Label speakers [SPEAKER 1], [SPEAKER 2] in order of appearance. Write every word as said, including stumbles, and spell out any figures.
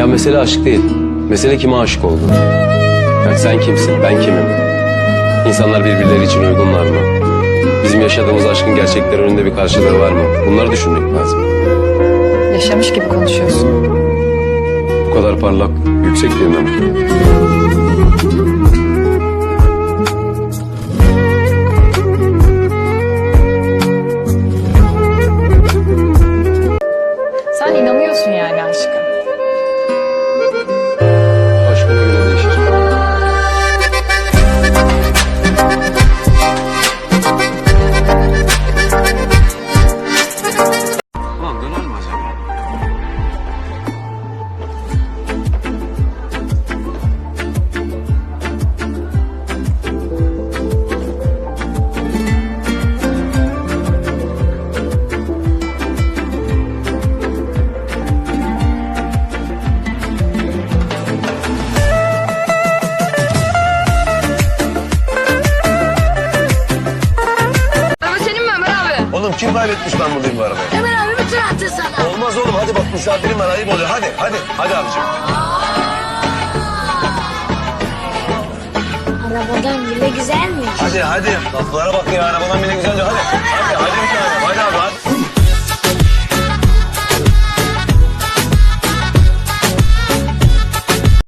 [SPEAKER 1] Ya mesele aşk değil. Mesele kime aşık olduğun. Yani sen kimsin, ben kimim? İnsanlar birbirleri için uygunlar mı? Bizim yaşadığımız aşkın gerçekler önünde bir karşılığı var mı? Bunları düşünmek lazım.
[SPEAKER 2] Yaşamış gibi konuşuyorsun.
[SPEAKER 1] Bu kadar parlak, yüksek birine mi?
[SPEAKER 2] Sen inanıyorsun yani aşka.
[SPEAKER 1] Aşkına göre değişir. Ulan döner mi acaba?
[SPEAKER 3] Araba senin mi Ömer abi?
[SPEAKER 4] Oğlum kim kaybetmiş ben buradayım bu arabayı?
[SPEAKER 3] Ömer abi bir tur attı sana.
[SPEAKER 4] Olmaz oğlum hadi bak misafirim var ayıp oluyor. Hadi hadi hadi abicim.
[SPEAKER 5] Arabadan bile güzelmiş.
[SPEAKER 4] Hadi hadi. Laflara bak ya arabadan bile güzelce hadi. Hadi hadi bir tane hadi abi hadi.